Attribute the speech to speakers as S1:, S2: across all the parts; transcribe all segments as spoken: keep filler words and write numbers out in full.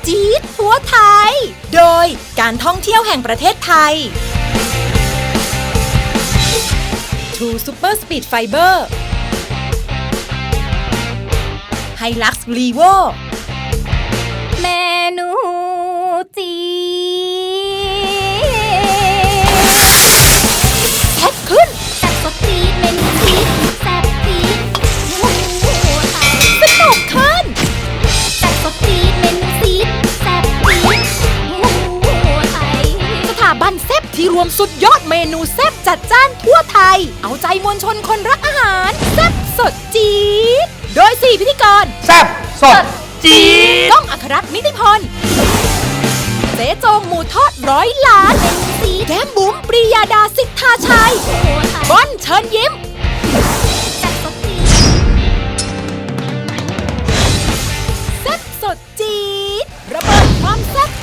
S1: จี๊ดทั่วไทย โดยการท่องเที่ยวแห่งประเทศไทย True Super Speed Fiber Hilux Levo
S2: เมนูจี
S1: แพ็คขึ้น
S2: แซ่บสดจีดเมนูจีดแซ่บจีดหมูไทย
S1: สนุกขึ้น
S2: แซ่บสดจีดเมนูจีดแซ่บจีดหมูไทย
S1: สถาบันแซ่บที่รวมสุดยอดเมนูแซ่บจัดจ้านทั่วไทย เอาใจมวลชนคนรักอาหารแซ่บสดจี๊ดโดยสี่พิธีกร
S3: แซ่บสดจี๊ด
S1: ก้องอัครรัตน์นิติพลเจ๊โจงหมูทอดร้อยล้านแก้มบุ๋มปรียาดาสิทธาชัย
S2: หมูไทย
S1: บอนเชิญยิ้ม
S2: แซ่บสดจีด
S1: แซ่บสดจี๊ดระเบิดความแซ่บ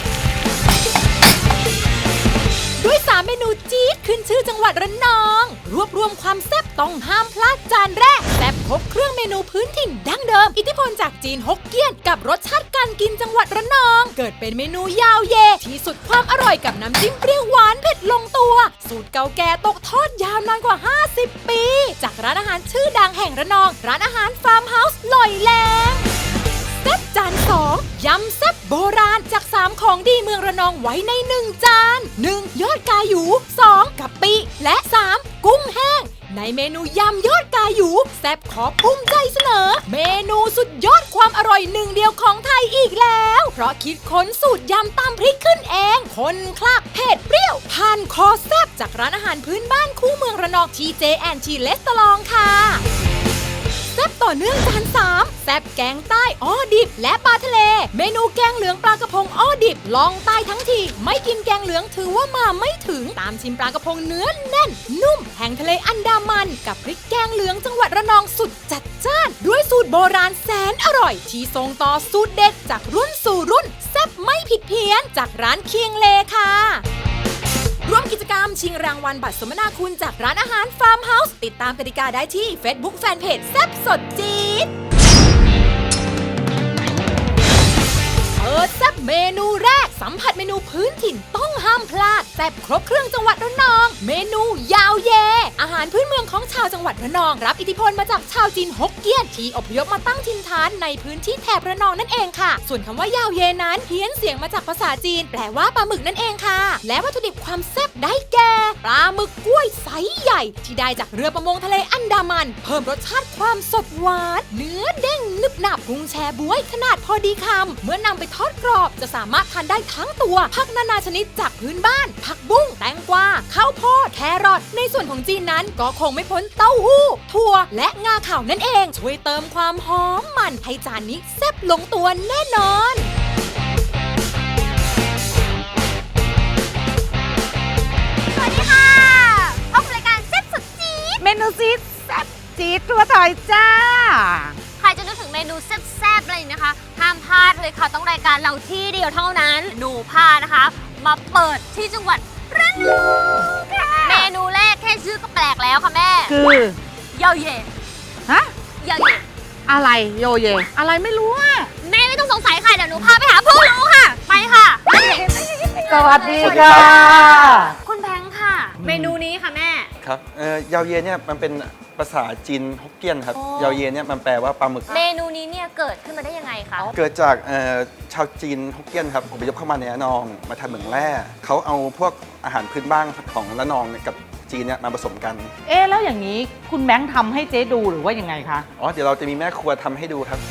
S1: ด้วยสามเมนูจี๊ดขึ้นชื่อจังหวัดระนอง รวบรวมความแซ่บต้องห้ามพลาดจานแรกแซ่บครบเครื่องเมนูพื้นถิ่นดั้งเดิม อิทธิพลจากจีนฮกเกี้ยนกับรสชาติการกินจังหวัดระนอง เกิดเป็นเมนูยาวเยที่สุดความอร่อยกับน้ำจิ้มเปรี้ยวหวานเผ็ดลงตัว สูตรเก่าแก่ตกทอดยาวนานกว่า ห้าสิบ ปี จากร้านอาหารชื่อดังแห่งระนอง ร้านอาหารฟาร์มเฮาส์ลอยแลงแซ่บจานสองยำแซ่บโบราณจากสามของดีเมืองระนองไว้ในหนึ่งจานหนึ่งยอดกาหยูสองกะปิและสามกุ้งแห้งในเมนูยำยอดกาหยูแซ่บขอภูมิใจเสนอ เมนูสุดยอดความอร่อยหนึ่งเดียวของไทยอีกแล้ว เพราะคิดค้นสูตรยำตามพริกขึ้นเองคนคลักเผ็ดเปรี้ยวผ่านคอแซ่บจากร้านอาหารพื้นบ้านคู่เมืองระนองทีเจแอนทีเลสตลองค่ะแซ่บต่อเนื่องจานสามแซ่บแกงใต้อ้อดิบและปลาทะเล เมนูแกงเหลืองปลากระพงอ้อดิบลองใต้ทั้งทีไม่กินแกงเหลืองถือว่ามาไม่ถึงตามชิมปลากระพงเนื้อแน่นนุ่มแห่งทะเลอันดามันกับพริกแกงเหลืองจังหวัดระนองสุดจัดจ้านด้วยสูตรโบราณแสนอร่อยที่ส่งต่อสูตรเด็ดจากรุ่นสู่รุ่นแซ่บไม่ผิดเพี้ยนจากร้านเคียงเลค่ะร่วมกิจกรรมชิงรางวัลบัตรสมนาคุณจากร้านอาหารฟาร์มเฮาส์ติดตามกติกาได้ที่ Facebook Fanpage แซ่บสดจี๊ดเปิดแซ่บเมนูแรกสัมผัสเมนูพื้นถิ่นต้องห้ามพลาดแซ่บครบเครื่องจังหวัดระนอง เมนูยาวเย อาหารพื้นเมืองของชาวจังหวัดระนองรับอิทธิพลมาจากชาวจีนฮกเกี้ยนที่อพยพมาตั้งถิ่นฐานในพื้นที่แถบระนองนั่นเองค่ะ ส่วนคำว่ายาวเยนั้นเพี้ยนเสียงมาจากภาษาจีนแปลว่าปลาหมึกนั่นเองค่ะ และวัตถุดิบความแซ่บได้แก่ปลาหมึกกล้วยไซส์ใหญ่ที่ได้จากเรือประมงทะเลอันดามันเพิ่มรสชาติความสดหวานเนื้อเด้งนึบหนับกุ้งแชบ๊วยขนาดพอดีคำเมื่อนำไปทอดกรอบจะสามารถทานได้ทั้งตัวผักนานาชนิดจากพื้นบ้านผักบุ้งแตงกวาข้าวโพดแครอทในส่วนของจีนนั้นก็คงไม่พ้นเต้าหู้ถั่วและงาขาวนั่นเองช่วยเติมความหอมมันให้จานนี้แซ่บลงตัวแน่นอน
S2: สวัสดีค่ะพบกับรายการแซ่บสดจี๊ด
S4: เมนูซีดแซ่บจี๊ดทั่วไทยจ้า
S2: ใครจะนึกถึงเมนูแซ่บๆอะไรอย่างนี้นะคะห้ามพลาดเลยค่ะต้องรายการเราที่เดียวเท่านั้นหนูพานะคะ มาเปิดที่จังหวัดระนองค่ะเมนูแรกแค่ชื่อก็แปลกแล้วค่ะแม่
S4: คือ
S2: เยาเย่
S4: ฮะ
S2: เยาเย่
S4: อะไรโยเย อะไรไม่รู้อ่ะ
S2: แม่ไม่ต้องสงสัยค่ะเดี๋ยวหนูพาไปหาผู้รู้ค่ะ ไปค่ะ
S4: สวัสดีค่ะ
S2: คุณแบงค์ค่ะ เมนูนี้ค่ะแม่
S3: ครับเอ่อยาวเยเนี่ยมันเป็นภาษาจีนฮกเกี้ยนครับ
S2: อ๋อ
S3: ยาวเยเนี่ยมันแปลว่าปลาหมึก
S2: เมนูนี้เนี่ยเกิดขึ้นมาได้ยังไงคะ
S3: เกิดจากเอ่อชาวจีนฮกเกี้ยนครับอพยพเข้ามาในระนองมาทำเหมืองแร่เขาเอาพวกอาหารพื้นบ้านของระนองเนี่ยกับจีนเนี่ยมาผสมกัน
S4: เอ๊ะแล้วอย่างนี้คุณแบงค์ทำให้เจ๊ดูหรือว่ายังไงคะ
S3: อ๋อเดี๋ยวเราจะมีแม่ครัวทำให้ดูครับ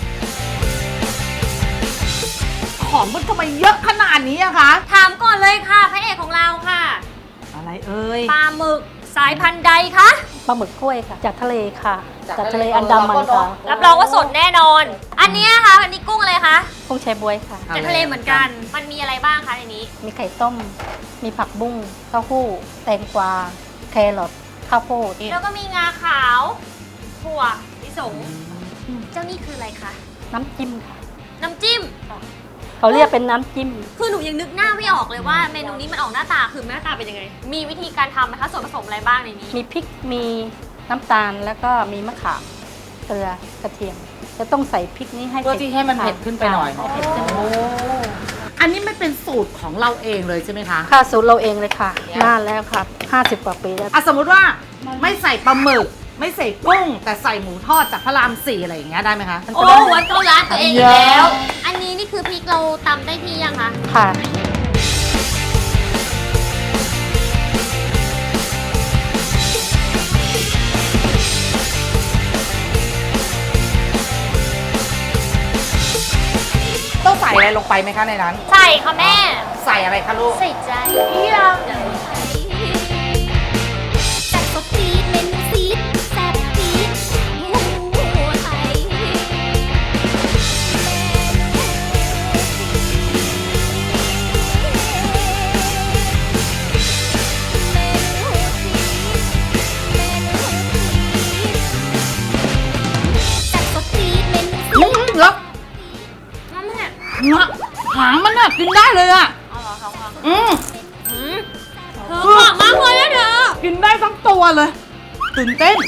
S4: ของมันทำไมเยอะขนาดนี้อะคะ
S2: ถามก่อนเลยค่ะพระเอกของเราค่ะ
S4: อะไรเอ่ย
S2: ปลาหมึกสายพันธุ์ใดคะ
S5: ปลาหมึกกล้วยค่ะ จากทะเลค่ะ จากทะเลอันดามันค่ะ
S2: รับรองว่าสดแน่นอน อันเนี้ยค่ะอันนี้กุ้งอะไรคะ
S5: กุ้งแชบ๊วยค่ะ
S2: จากทะเลเหมือนกัน มันมีอะไรบ้างคะในนี้
S5: มีไข่ต้ม มีผักบุ้งเต้าหู้ แตงกวา แครอทข้าวโพด
S2: แล้วก็มีงาขาวถั่วลิสงเจ้านี่คืออะไรคะ
S5: น้ำจิ้มค่ะ
S2: น้ำจิ้ม
S5: เขาเรียกเป็นน้ำจิ้ม
S2: คือหนูยังนึกหน้าไม่ออกเลยว่าเมนูนี้มันออกหน้าตาคือหน้าตาเป็นยังไง มีวิธีการทำไหมคะส่วนผสมอะไรบ้างในนี้
S5: มีพริก มีน้ำตาล แล้วก็มีมะขาม เกลือ กระเทียม จะต้องใส่พริกนี้ให้
S4: เพื่อที่ให้มันเผ็ดขึ้นไปหน่อย
S5: ค่ะให้เผ็ดขึ้นมา
S4: อันนี้ไม่เป็นสูตรของเราเองเลยใช่ไหมคะ
S5: ค่ะสูตรเราเองเลยค่ะนานแล้วค่ะห้าสิบกว่าปีแล้ว
S4: อ่ะสมมุติว่าไม่ใส่ปลาหมึก ไม่ใส่กุ้ง แต่ใส่หมูทอดจากพระรามสี่อะไรอย่างเงี้ยได้ไหมคะ
S2: โอ้หัวเกาลัดตัวเองอีกแล้ว อันนี้นี่คือพริกเราตำได้ที่ยังคะ
S5: ค่ะ
S4: ต้องใส่อะไรลงไปไหมคะในนั้น
S2: ใส่ค่ะแม่
S4: ใส่อะไรคะลูก
S2: ใส่ใจ
S1: แซ่บสดจี๊ดเมนูซีดแซ่บจี๊ดโอ้โหไทยแซ่บสดจี๊ดเมนูซีด
S4: อืมแล้ว
S2: นั่นแหละ
S4: เนื้อหางมันน่ะกินได้เลยอ่ะ
S2: เอาเหรอคะคะ
S4: อืม
S2: อืมเธอเหมาะมากเลยนะเธอ
S4: กินได้ทั้งตัวเลย ตื่นเต้น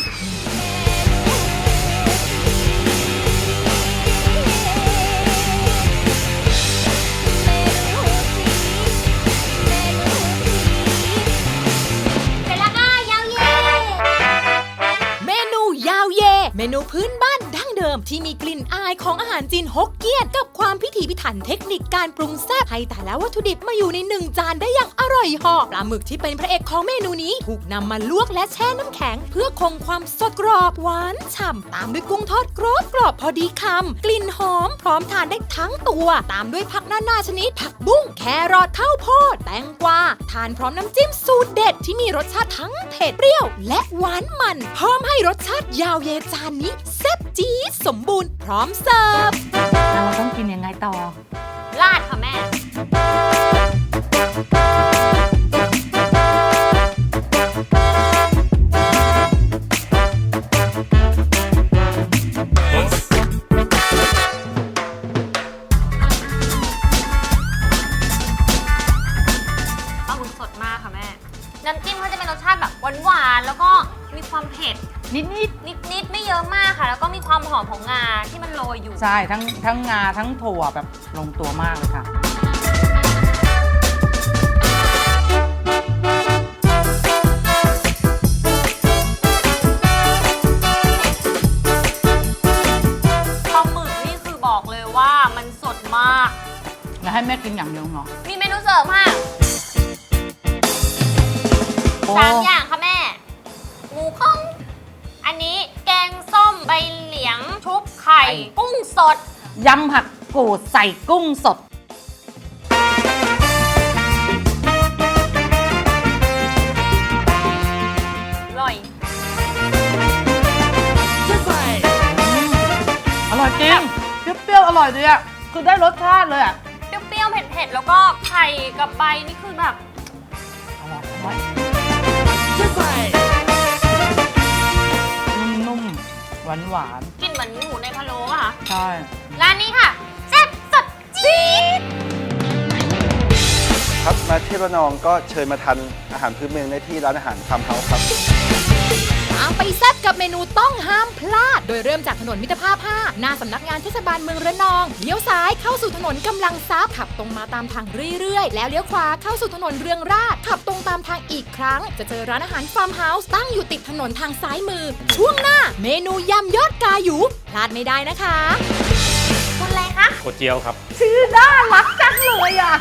S2: เสร็จแล้วค่ะยาวเย่
S1: เมนูยาวเย เมนูพื้นบ้านดั้งเดิมที่มีกลิ่นอายของอาหารจีนฮกเกี้ยน กับความพิถีพิถันเทคนิคการปรุงแซ่บให้แต่ละวัตถุดิบมาอยู่ในหนึ่งจานได้อย่างอร่อยเหาะปลาหมึกที่เป็นพระเอกของเมนูนี้ถูกนำมาลวกและแช่น้ำแข็ง เพื่อคงความสดกรอบหวานฉ่ำตามด้วยกุ้งทอดกรอบกรอบพอดีคำกลิ่นหอมพร้อมทานได้ทั้งตัว ตามด้วยผักนานาชนิด ผักบุ้งแครอทข้าวโพดแตงกวาทานพร้อมน้ำจิ้มสูตรเด็ดที่มีรสชาติทั้งเผ็ดเปรี้ยวและหวานมันเพิ่มให้รสชาติยาวเยจานนี้แซ่บจี๊ดสมบูรณ์พร้อมเสิร์ฟ
S4: เราต้องกินยังไงต่อ
S2: ลาดค่ะแม่ ปลาหมึกสดมากค่ะแม่ น้ำจิ้มเขาจะเป็นรสชาติแบบหวานๆ แล้วก็มีความเผ็ด
S4: นิด
S2: นิดๆ ไม่เยอะมากค่ะ แล้วก็มีความหอมของงาที่มันโรยอยู่
S4: ๆ ใช่ ทั้งทั้งงาทั้งถั่วแบบลงตัวมากเลยค่ะ
S2: ปลาหมึกนี่คือบอกเลยว่ามันสดมาก
S4: แล้วให้แม่กินอย่างเดียวเหรอ
S2: มีเมนูเสริมค่ะ
S4: โอ้
S2: สามอย่างค่ะแม่ หมูข้อง อันนี้แกงส้มใบเหลียงชุบไข่ กุ้งสด
S4: ยำผักกูดใส่กุ้งสด
S2: อร่อย
S4: อร่อยจริง เปรี้ยวๆ อร่อยดีอ่ะ คือได้รสชาติเลยอ่ะ
S2: เปรี้ยวๆ เผ็ดๆ แล้วก็ไข่กับใบนี่คือแบบ
S4: อร่อยอร่อยนุ่มๆ หวาน
S2: กินเหมือนหมูในพะโล้อะค่ะ
S4: ๆ ใช่
S2: ร้านนี้ค่ะแซ่บสดจี๊ด
S3: ครับมาเที่ยวระนองก็เชิญมาทานอาหารพื้นเมืองได้ที่ร้านอาหารฟาร์มเฮาส์ครับ
S1: ตามไปแซ่บกับเมนูต้องห้ามพลาด โดยเริ่มจากถนนมิตรภาพ ห้า หน้าสำนักงานเทศบาลเมืองระนอง เลี้ยวซ้ายเข้าสู่ถนนกำลังทรัพย์ขับตรงมาตามทางเรื่อยๆ แล้วเลี้ยวขวาเข้าสู่ถนนเรืองราษฎร์ขับตรงตามทางอีกครั้ง จะเจอร้านอาหารฟาร์มเฮาส์ตั้งอยู่ติดถนนทางซ้ายมือ ช่วงหน้าเมนูยำยอดกาหยูพลาดไม่ได้นะคะ
S2: คุณอะไรคะ
S6: โคเจียวครับ
S4: ชื่อน่ารักจังเลยอ่ะ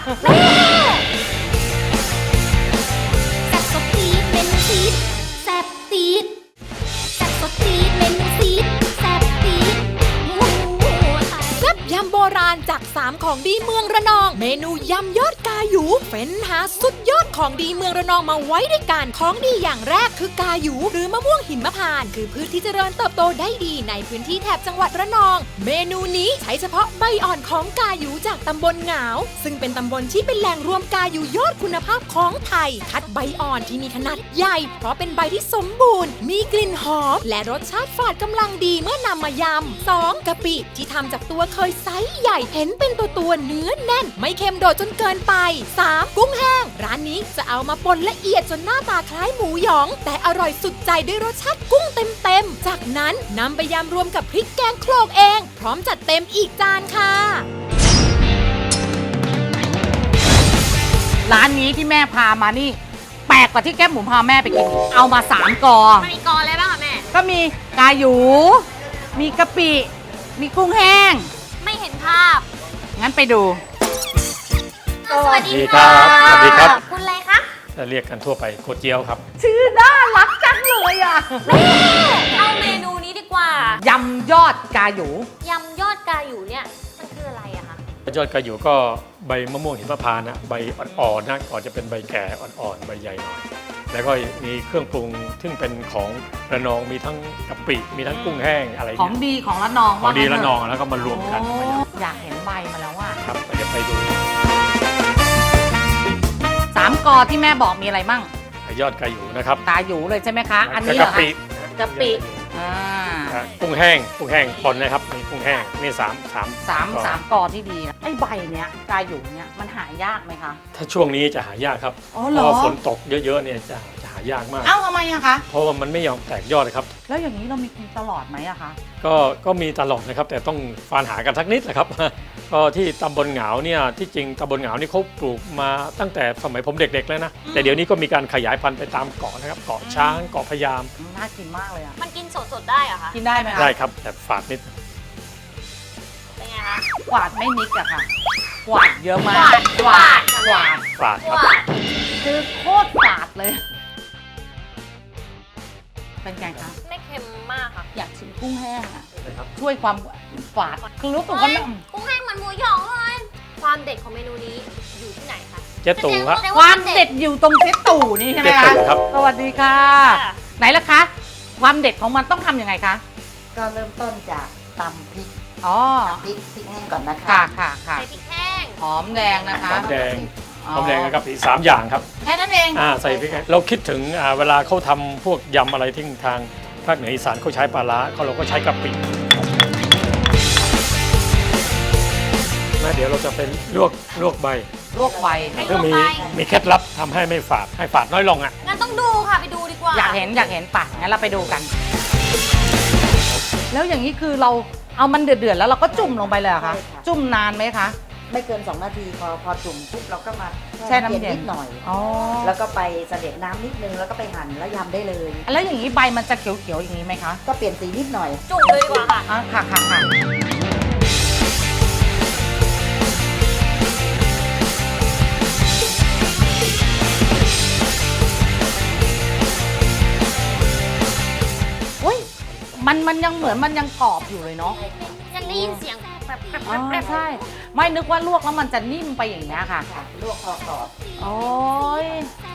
S1: แซ่บสดจี๊ดเมนูซีดแซ่บจี๊ดแซ่บสดจี๊ดเมนูซีดแซ่บจี๊ดโอ้โหแซ่บยำโบราณจากสามของดีเมืองระนอง เมนูยำยอดกาหยูเฟ้นหาสุดยอดของดีเมืองระนองมาไว้ด้วยกันของดีอย่างแรกคือกาหยูหรือมะม่วงหิมพานต์คือพืชที่เจริญเติบโตได้ดีในพื้นที่แถบจังหวัดระนอง เมนูนี้ใช้เฉพาะใบอ่อนของกาหยูจากตำบลหงาวซึ่งเป็นตำบลที่เป็นแหล่งรวมกาหยูยอดคุณภาพของไทย คัดใบอ่อนที่มีขนาดใหญ่ เพราะเป็นใบที่สมบูรณ์ มีกลิ่นหอม และรสชาติฝาดกำลังดีเมื่อนำมายำ สอง กะปิที่ทำจากตัวเคยไซส์ใหญ่เห็นเป็นตัวตัวๆเนื้อแน่น ไม่เค็มโดดจนเกินไป สาม กุ้งแห้ง ร้านนี้จะเอามาป่นละเอียดจนหน้าตาคล้ายหมูหยอง แต่อร่อยสุดใจด้วยรสชาติกุ้งเต็มๆ จากนั้นนำไปยำรวมกับพริกแกงโขลกเอง พร้อมจัดเต็มอีกจานค่ะ
S4: ร้านนี้ที่แม่พามานี่ แปลกกว่าที่แก้มหมูพาแม่ไปกินอีกเอามาสามกอ
S2: มันมีกออะไรบ้างคะแม่
S4: ก็มีกาหยู มีกะปิ มีกุ้งแห้ง
S2: ไม่เห็นภาพ
S4: งั้นไปดู
S2: สวัสดี
S6: ครั
S2: ค่ะ
S6: บสวัสดีครับ
S2: คุณอะไรคะ
S6: เรียกกันทั่วไปโคเจียวครับ
S4: ชื่อน่ารักจังเลยอ่ะ
S2: เอาเมนูนี้ดีกว่า
S4: ยำยอดกาหยู
S2: ยำยอดกาอยู่เนี่ย มันคืออะไรอะคะ
S6: ยอดกระอยู่ก็ใบมะม่วงหิมพานต์นะใบอ่อนๆนะก่อนจะเป็นใบแก่อ่อนๆใบใหญ่หน่อย แล้วก็มีเครื่องปรุงซึ่งเป็นของระนองมีทั้งกะปิมีทั้งกุ้งแห้งอะไร
S4: ของ
S6: เนี่ย
S4: ดีของละนอง
S6: ของดี
S4: ว่า
S6: ระ
S4: งั้
S6: น
S4: เถ
S6: องแล้วก็มารวมกัน
S4: โอ้
S6: มาอย่าง
S4: อยากเห็นใบมาแล้วอ่ะ
S6: ครับก็จะไปดู
S4: สามกอที่แม่บอกมีอะไรมั่ง
S6: ยอดกระอยู่นะครับ
S4: กาหยูเลยใช่ไหมคะ อันนี้เหร
S6: กะ
S4: อคะ
S6: ปิ
S4: กะปิ อ่า
S6: อ่ะกุ้งแห้งกุ้งแห้งปนนะครับมีกุ้งแห้งนี่สามสาม
S4: สาม
S6: ก่อน
S4: สามกอที่ดีนะไอ้ใบเนี้ยกาหยูเนี้ยมันหายากไหมคะ
S6: ถ้าช่วงนี้จะหายากครับ
S4: อ๋อ
S6: เพ
S4: เหรอ
S6: ราะว่าฝนตกเยอะๆเนี่ยจะจะหายากมาก
S4: เอ้าทำไมอะคะ
S6: เพราะว่ามันไม่ยอมแตกยอดครับ
S4: แล้วอย่างนี้เรามีกินตลอดไหมอะคะ
S6: ก็ก็มีตลอดนะครับแต่ต้องฟานหากันสักนิดแหละครับ ก็ที่ตำบลเหงาเนี่ยที่จริงตำบลเหงานี่เขาปลูกมาตั้งแต่สมัยผมเด็กๆแล้วนะแต่เดี๋ยวนี้ก็มีการขยายพันธุ์ไปตามเกาะนะครับเกาะช้างเกาะพะยาม
S4: น่ากินมากเลยอะ
S2: มันกินสดๆได้เหรอคะ
S4: กินได้ไหมคะ
S6: ได้ครับแต่ฝาดนิด
S2: เป็นไงคะ
S4: กวาดไม่นิกอะค่ะ กวาดเยอะมาก
S2: กวาด
S4: กวาด
S6: ฝาดครับ
S2: ว่า
S4: คือโคตรกวาดเลย เป็นไงคะ
S2: ไม่เค็มมากค่ะ
S4: อยากชิมกุ้งแห้งอะ
S6: นะครับ
S4: ช่วยความฝาดคือรู้สึกว่า
S2: เฮ้ย
S4: ไม่
S2: กุ้งแห้งเหมือนหมูหยองเลย ความเด็ดของเมนูนี้อยู่ที่ไหนคะ
S6: เจ๊ตู่ครับ
S2: แสดง
S4: ความเด็ดอยู่ตรงเจ๊ตู่นี่ใช่ไหม
S6: เจ๊
S4: คะ
S6: ตู่ครับ
S4: สวัสดีค่ะ
S2: ค่ะ
S4: ไหนล่ะคะ ความเด็ดของมันต้องทำยังไงคะ
S7: ก็เริ่มต้นจากตำพริก
S4: อ๋อ
S7: พริกพริกแห้งก่อนนะคะ
S4: ค่ะค่ะค่ะ
S2: ใส่พริกแห้ง
S4: หอมแดงนะคะ
S6: หอมแดงหอมแดงกับอีกสามอย่างครับ
S4: แค่นั้นเอง
S6: อ่าใส่พริกแห้งเราคิดถึงอ่าเวลาเขาทำพวกยำอะไรที่ทางภาคเหนืออีสานเขาใช้ปลาร้าเขาเราก็ใช้กะปิแล้วเดี๋ยวเราจะเป็นลวกลวกใบ
S4: ลวกไว
S2: ไม่ล
S6: เพื่อ
S2: วก
S6: มี
S2: ใบ
S6: มีเคล็ดลับทำให้ไม่ฝาดให้ฝาดน้อยลงอ่ะ
S2: งั้นต้องดูค่ะ ไปดูดีกว่า
S4: อยากเห็นอยากเห็นป่ะงั้นเราไปดูกัน แล้วอย่างนี้คือเราเอามันเดือดๆแล้วเราก็จุ่มลงไปเลยเหรอคะจุ่มนานไหมคะ
S7: ไม่เกิน สอง นาทีพอพอจุ่มปุ๊บเราก็มา
S4: แช่น้ำเย็น
S7: นิดหน่อย
S4: อ๋อ
S7: แล้วก็ไปเสด็จน้ำนิดนึงแล้วก็ไปหั่นแล้วยำได้เลย
S4: แล้วอย่างนี้ใบมันจะเขียวๆอย่างนี้ไหมคะ
S7: ก็เปลี่ยนสีนิดหน่อย
S2: จุ่มเลยดีกว่าค่ะ
S4: อ่ะค่ะค่ะค่ะอุ้ยมันมันยังเหมือนมันยังกรอบอยู่เลยเนาะ
S2: ยังได้ยินเสียงแบบแบบ
S4: อ๋อ
S2: แบบ
S4: ใช่ ไม่นึกว่าลวกแล้วมันจะนิ่มไปอย่างนี้ยค่ะ
S7: ค่ะ ลวกพอกรอบ
S4: โอ้ย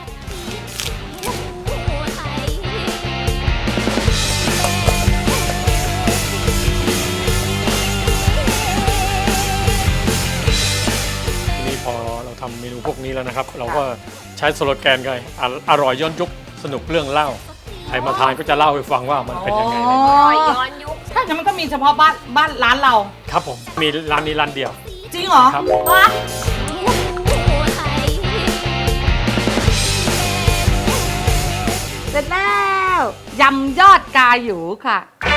S6: ทีนี้พอเราทำเมนูพวกนี้แล้วนะครับ เราก็ใช้สโลแกนกันอ่ะอร่อยย้อนยุคสนุกเรื่องเล่าใครมาทานก็จะเล่าให้ฟังว่ามันเป็นยังไง
S4: อ๋อ
S2: รอยย้อนยุค
S4: ถ้าอย่างนั้นมันก็มีเฉพาะบ้านบ้านร้านเรา
S6: ครับผมมีร้านนี้ร้านเดียว
S4: จริงเหรอ
S6: ครับผม
S2: ว้า
S4: เสร็จแล้วยำยอดกาหยูค่ะ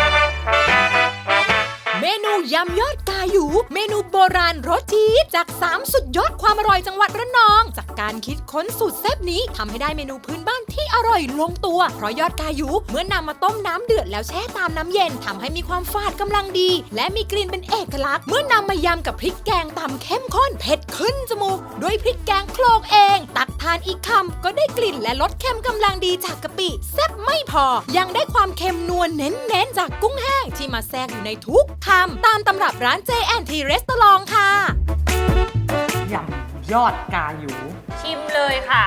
S1: เมนูยำยอดกาหยูเมนูโบราณรสจี๊ดจากสามสุดยอดความอร่อยจังหวัดระนอง จากการคิดค้นสูตรแซ่บนี้ทำให้ได้เมนูพื้นบ้านที่อร่อยลงตัว เพราะยอดกาหยูเมื่อนำมาต้มน้ำเดือดแล้วแช่ตามน้ำเย็นทำให้มีความฝาดกำลังดี และมีกลิ่นเป็นเอกลักษณ์เมื่อนำมายำกับพริกแกงตำเข้มข้นเผ็ดขึ้นจมูกด้วยพริกแกงโคลกเอง ตักทานอีกคำก็ได้กลิ่นและรสเค็มกำลังดีจากกะปิแซ่บไม่พอ ยังได้ความเค็มนัวเน้นๆจากกุ้งแห้งที่มาแทรกอยู่ในทุกคำตามตำรับร้าน เจ แอนด์ ที Restaurant ค่ะ
S4: ยำยอดกาหยู
S2: ชิมเลยค่ะ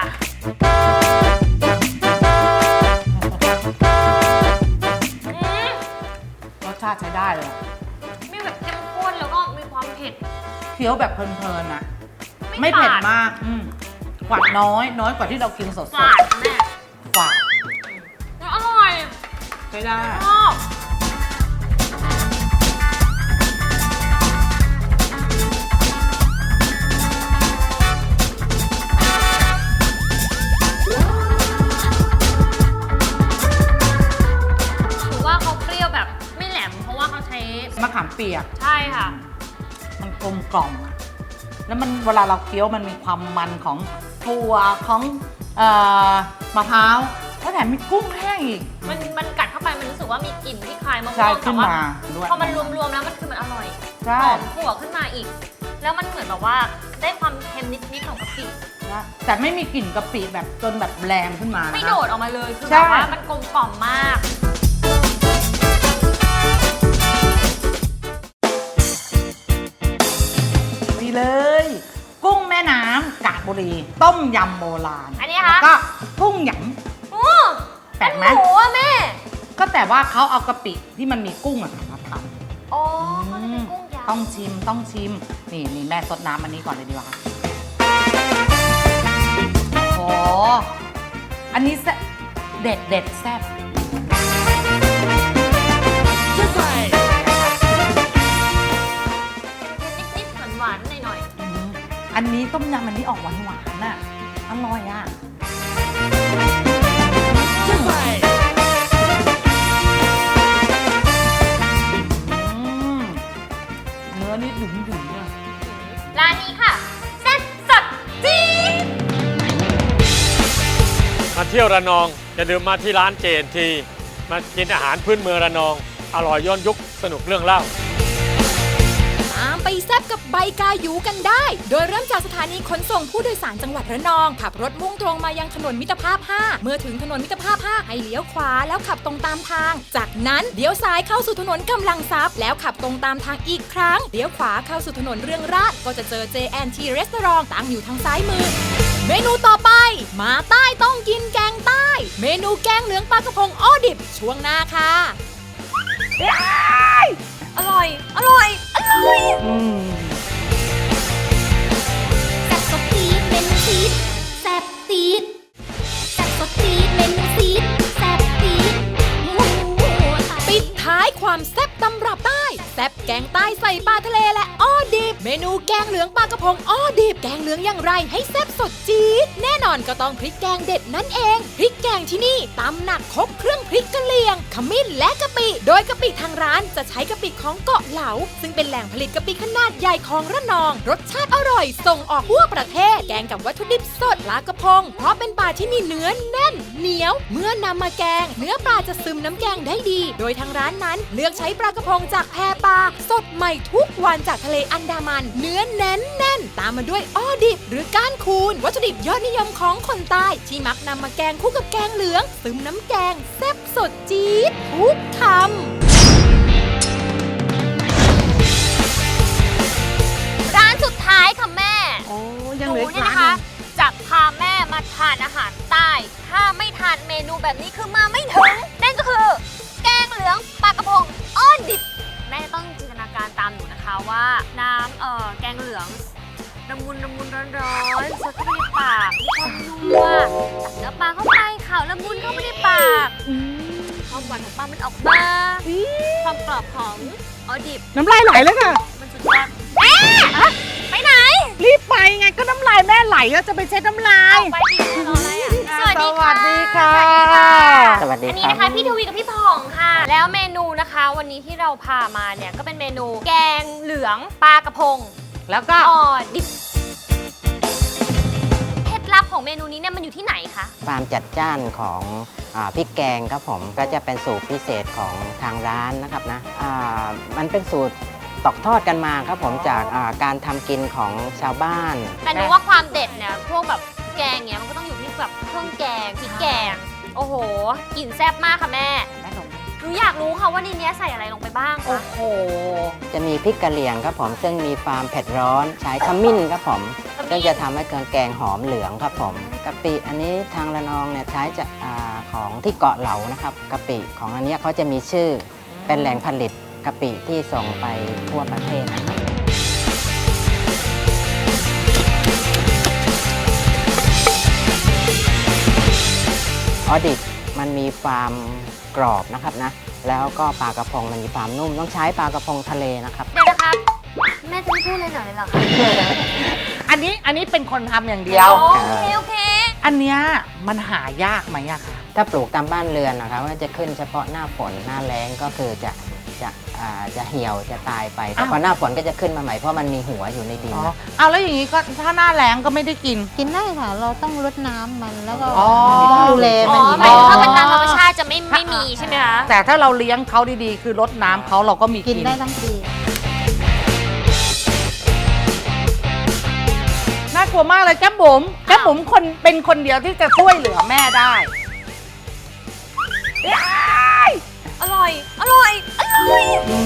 S2: อืม
S4: รสชาติใช้ได้เลย
S2: มีแบบเข้มข้นแล้วก็มีความเผ็ด
S4: เคี้ยวแบบเพลินๆอะ
S2: ไม่
S4: ไม่เผ็ด
S2: ฝาด
S4: มากอืมหวานน้อย น้อยกว่าที่เรากินสด
S2: ฝาดแม่
S4: ๆหวาน
S2: แล้วอร่อย
S4: ใช้ได้
S2: ชอบถือว่าเขาเปรี้ยวแบบไม่แหลม เพราะว่าเขาใช้
S4: มะขามเปียก
S2: ใช่ค่ะ
S4: มันกลมกล่อมอะแล้วมันเวลาเราเคี้ยวมันมีความมันของถั่วของเอ่อมะพร้าวแล้วแถมมีกุ้งแห้งอีก
S2: มันมันกัดเข้าไปมันรู้สึกว่ามีกลิ่นที่คล้ายมะม่
S4: ใช่
S2: วง
S4: ขึ้
S2: แต่
S4: น
S2: ว่า
S4: มาด้วย
S2: พอมันรวมๆแล้วมันคือมันอร่อย
S4: ใช่
S2: หอมถั่วขึ้นมาอีก แล้วมันเหมือนแบบว่าได้ความเค็มนิดๆของกะปิ
S4: นะแต่ไม่มีกลิ่นกะปิแบบจนแบบแรงขึ้นมา
S2: ไม่
S4: นะคะ
S2: โดดออกมาเลยคือ
S4: ใช่
S2: แบบว่ามันกลมกล่อมมาก
S4: นี่เลย กุ้งแม่น้ำกาญบุรี ต้มยำโบราณ
S2: อันนี้คะ
S4: แล้วก็กุ้งหย
S2: โอ้
S4: ำแปลกไหม
S2: หมูอะแม่
S4: ก็แต่ว่าเขาเอากะปิที่มันมีกุ้งอะมาท
S2: อ๋อ
S4: ำ
S2: เขาจะเป็นกุ้งยำ
S4: ต้องชิมต้องชิม นี่นี่แม่ซดน้ำอันนี้ก่อนเลยดีกว่าโอ้โหอันนี้แซ่บเด็ดเด็ดแซ่บ
S2: นิดๆหวานๆหน่อย
S4: อืมอันนี้ต้มยำอันนี้ออกหวานหวานๆน่ะอร่อยอ่ะอืมเนื้อนี่ดึงดึงๆอ่ะ
S2: ๆร้านนี้ค่ะเซ็ตสดจี๊ด
S6: มาเที่ยวระนองอย่าลืมมาที่ร้านเจนทีมากินอาหารพื้นเมืองระนอง อร่อยย้อนยุคสนุกเรื่องเล่า
S1: ตามไปแซบกับใบกายูกันได้ โดยเริ่มจากสถานีขนส่งผู้โดยสารจังหวัดระนอง ขับรถมุ่งตรงมายังถนนมิตรภาพ ห้า เมื่อถึงถนนมิตรภาพ ห้า ให้เลี้ยวขวาแล้วขับตรงตามทาง จากนั้นเลี้ยวซ้ายเข้าสู่ถนนกำลังทรัพย์แล้วขับตรงตามทางอีกครั้ง เลี้ยวขวาเข้าสู่ถนนเรืองราษฎร์ก็จะเจอ เจ แอนด์ ที Restaurant ตั้งอยู่ทางซ้ายมือ เมนูต่อไป มาใต้ต้องกินแกงใต้ เมนูแกงเหลืองปลากระพงอ้อดิบช่วงหน้าค่ะ
S2: อร่อย อร่อย อร่อย
S4: อืม
S1: แซ่บสดตีดเมนูซีดแซ่บตีดแซ่บสดตีดเมนูซีดแซ่บตีดปิดท้ายความแซ่บตำรับใต้แซ่บแกงใต้ใส่ปลาทะเลและอ้อดิบ เมนูแกงเหลืองปลากระพงอ้อดิบ แกงเหลืองอย่างไรให้แซ่บสดจี๊ดแน่นอนก็ต้องพริกแกงเด็ดนั่นเองพริกแกงที่นี่ตำหนักครบเครื่องพริกกะเหรี่ยงขมิ้นและกะปิ โดยกะปิทางร้านจะใช้กะปิของเกาะเหลาซึ่งเป็นแหล่งผลิตกะปิขนาดใหญ่ของระนอง รสชาติอร่อยส่งออกทั่วประเทศ แกงกับวัตถุดิบสดปลากระพง เพราะเป็นปลาที่มีเนื้อแน่น เหนียว เมื่อนำมาแกง เนื้อปลาจะซึมน้ำแกงได้ดี โดยทางร้านนั้นเลือกใช้ปลากระพงจากแพปลาสดใหม่ทุกวันจากทะเลอันดามัน เนื้อแน่นแน่นตามมาด้วยอ้อดิบ หรือก้านคูนวัตถุดิบยอดนิยมของคนใต้ที่มักนำมาแกงคู่กับแกงเหลือง ซึมน้ำแกงแซ่บสดจี๊ดทุกคำ
S2: ร้านสุดท้ายค่ะแม่
S4: โอ้ยั
S2: ห
S4: งเห
S2: นู
S4: ลืออีก
S2: เนี่ย
S4: ร้าน
S2: นะ
S4: หนึ่
S2: คะ
S4: ง
S2: จะพาแม่มาทานอาหารใต้ ถ้าไม่ทานเมนูแบบนี้คือมาไม่ถึง นั่นก็คือ แกงเหลืองปลากระพงอ้อดิบ แม่ต้องจินตนาการตามหนูนะคะว่าน้ำเอ่อแกงเหลืองละมุนละมุนร้อนร้อนๆสดเข้าไปในปากมีความนัวตักเนื้อปลาเข้าไปข่าวละมุนเข้าไปในปากความหวานของปลามันออกมาความกรอบของอ้อดิบ
S4: น้ำลายไหลแล้วค่ะ
S2: มันสุดยอดแม่ไปไหน
S4: รีบไปไงก็น้ำลายแม่ไหลแล้วจะไปเช็ดน้ำลาย
S2: ไปดิรออะไรอ่ะสวัสดี
S4: สวัสดีค่ะ
S7: สวัสดี
S2: อัน
S7: ค
S2: นี้
S7: รับ
S2: นะคะพี่ทวีกับพี่ผ่องค่ะ แล้วเมนูนะคะ วันนี้ที่เราพามาเนี่ยก็เป็นเมนูแกงเหลืองปลากระพง
S4: แล้วก็
S2: อ่อดิบเคล็ดลับของเมนูนี้เนี่ยมันอยู่ที่ไหนคะ
S7: ความจัดจ้านของอาพริกแกงครับผมก็จะเป็นสูตรพิเศษของทางร้านนะครับนะอ่ามันเป็นสูตรตอกทอดกันมาครับผมจากอ่าการทำกินของชาวบ้าน
S2: แต่หนูว่าความเด็ดเนี่ยพวกแบบแกงเนี่ยมันก็ต้องอยู่ที่แบบเครื่องแกงพริกแกง โอ้โหกลิ่นแซ่บมากค่ะแม่
S4: แม่หนุ่ม
S2: หนูอยากรู้ค่ะว่าในเนี้ยใส่อะไรลงไปบ้าง
S4: โอ้
S2: คะ
S4: โห
S7: จะมีพริกกะเหรี่ยงครับผมซึ่งมีความเผ็ดร้อนใช้ขมิ้นครับผมซึ่งจะทำให้เครื่องแกงหอมเหลืองครับผมกะปิอันนี้ทางระนองเนี่ยใช้จากอาของที่เกาะเหลานะครับกะปิของอันเนี้ยเขาจะมีชื่อเป็นแหล่งผลิตกะปิที่ส่งไปทั่วประเทศนะครับ ออดิบมันมีความกรอบนะครับนะแล้วก็ปลากระพงมันมีความนุ่มต้องใช้ปลากระพงทะเลนะครับ
S2: เดี๋ยวนะครับแม่จะไม่พูดเลยหน่อยเลยเหรอคะ
S4: อันนี้อันนี้เป็นคนทำอย่างเดียว
S2: โอเคโอเค
S4: อันเนี้ยมันหายากไหมอะคะ
S7: ถ้าปลูกตามบ้านเรือนนะครับก็จะขึ้นเฉพาะหน้าฝนหน้าแล้งก็คือจะจะอ่าจะเหี่ยวจะตายไปแต่
S4: อ้าว
S7: พอหน้าฝนก็จะขึ้นมาใหม่เพราะมันมีหัวอยู่ในดิน
S4: อ๋อ
S7: นะ
S4: เอาแล้วอย่างนี้ก็ถ้าหน้าแล้งก็ไม่ได้กิน
S5: กินได้ค่ะ เราต้องรดน้ำมันแล้วก็
S4: อ๋อ
S5: ต้องดูแล
S2: อ๋
S5: มัน
S2: อ
S5: ดี
S2: หมายถึงถ้า
S4: อ๋อ
S2: เป็นตามธรรมชาติจะไม่ไม่มีใช่ไหมคะ
S4: แต่ถ้าเราเลี้ยงเขาดีๆ คือรดน้ำเขาเราก็มี
S5: กิ
S4: กิ
S5: น
S4: น
S5: ได้ทั้งปี
S4: น่ากลัวมากเลยแก้มบุ๋มแก้มบุ๋มคนเป็นคนเดียวที่จะช่วยเหลือแม่ได้
S2: อร่อย อร่อย อร่อย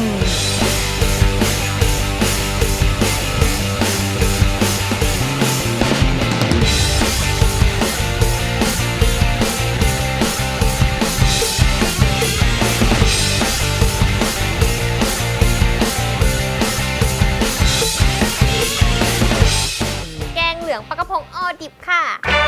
S2: แกงเหลืองปลากระพงออดิบค่ะ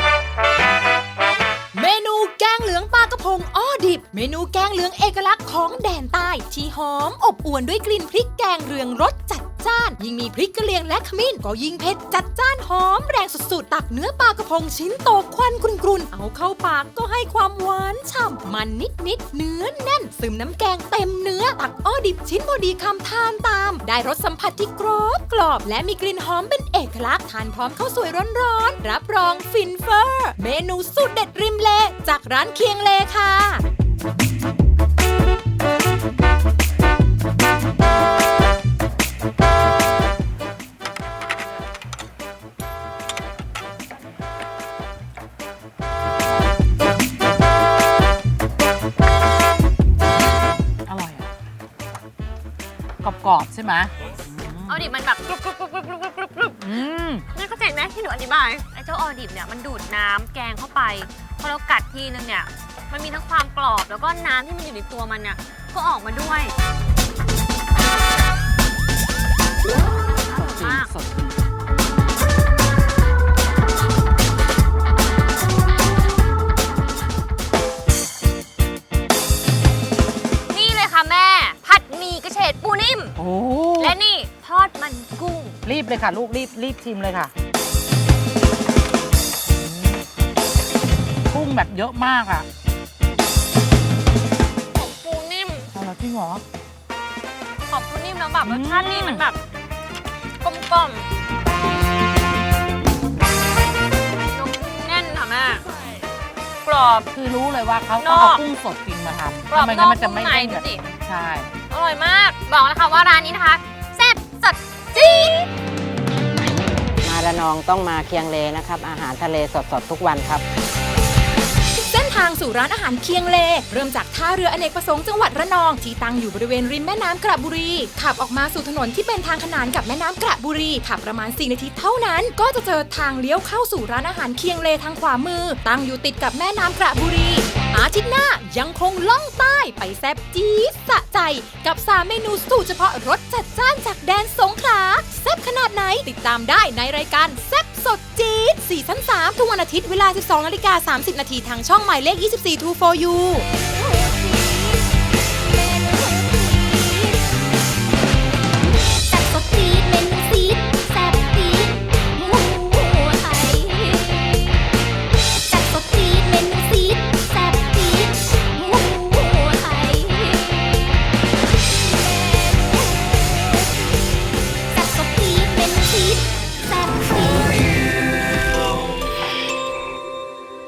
S1: เมนูแกงเหลืองปลากระพงอ้อดิบ เมนูแกงเหลืองเอกลักษณ์ของแดนใต้ที่หอมอบอวลด้วยกลิ่นพริกแกงเรืองรสจัดจ้าน ยิ่งมีพริกกระเหรี่ยงและขมิ้นก็ยิ่งเผ็ดจัดจ้านหอมแรงสุดๆตักเนื้อปลากระพงชิ้นโตควันกรุนๆเอาเข้าปากก็ให้ความหวานฉ่ำมันนิดๆเนื้อแน่นซึมน้ำแกงเต็มเนื้อตักอ้อดิบชิ้นพอดีคำทานตาม ได้รสสัมผัสที่กรอบกรอบและมีกลิ่นหอมเป็นเอกลักษณ์ทานพร้อมข้าวสวยร้อนๆรับรองฟินเฟอร์ เมนูสูตรเด็ดริมเลจากร้านเคียงเลค่ะ
S4: อร่อยอะกรอบๆใช่ไหม
S2: ออดิบมันแบบกรุบกรุบกรุบกรุบกรุบกรุบกรุบ
S4: อืม
S2: นี่เข้าใจไหมที่หนูอธิบาย ไอ้เจ้าออดิบเนี่ยมันดูดน้ำแกงเข้าไป พอเรากัดทีนึงเนี่ย มันมีทั้งความกรอบแล้วก็น้ำที่มันอยู่ในตัวมันเนี่ย ก็ออกมาด้วยอร่อยมาก
S4: สด
S2: นี่เลยค่ะแม่ ผัดหมี่กระเฉดปูนิ่ม
S4: โอ้
S2: และนี่ทอดมันกุ้ง
S4: รีบเลยค่ะ ลูกรีบรีบชิมเลยค่ะกุ้งแบบเยอะมากอ่ะ
S2: ขอบปูนิ่ม
S4: เอาละจริงเหรอ
S2: ขอบปูนิ่มแล้วแบบ
S4: อื
S2: ร
S4: ม
S2: สชาตินี่มันแบบกลมกล่อมนมแน่นค่ะแม่กรอบ
S4: คือรู้เลยว่าเขา
S2: น
S4: ต้อ
S2: อง ก
S4: เอากุ้งสดจริงมาทำ
S2: กรอบ
S4: ไม่
S2: น
S4: งั้
S2: อน ก
S4: มันจะ
S2: นุ่ม
S4: ไม่
S2: ใน
S4: ได้
S2: ดู
S4: แบบ
S2: สิ
S4: ใช่
S2: อร่อยมาก บอกนะคะว่าร้านนี้นะคะแซ่บสดจี๊ด
S7: มาระนองต้องมาเคียงเลนะครับ อาหารทะเลสดๆทุกวันครับ
S1: เส้นทางสู่ร้านอาหารเคียงเล เริ่มจากท่าเรืออเนกประสงค์จังหวัดระนองที่ตั้งอยู่บริเวณริมแม่น้ำกระบุรี ขับออกมาสู่ถนนที่เป็นทางขนานกับแม่น้ำกระบุรีขับประมาณสี่นาทีเท่านั้น ก็จะเจอทางเลี้ยวเข้าสู่ร้านอาหารเคียงเลทางขวามือ ตั้งอยู่ติดกับแม่น้ำกระบุรี อาทิตย์หน้ายังคงล่องใต้ไปแซ่บจี๊ดสะใจ กับสามเมนูสูตรเฉพาะรสจัดจ้านจากแดนสงขลาแซ่บขนาดไหนติดตามได้ในรายการแซ่บสดจี๊ดซีซั่นสามทุกวันอาทิตย์เวลา สิบสองนาฬิกาสามสิบนาทีทางช่องหมายเลขยี่สิบสี่ ทู โฟร์ ยู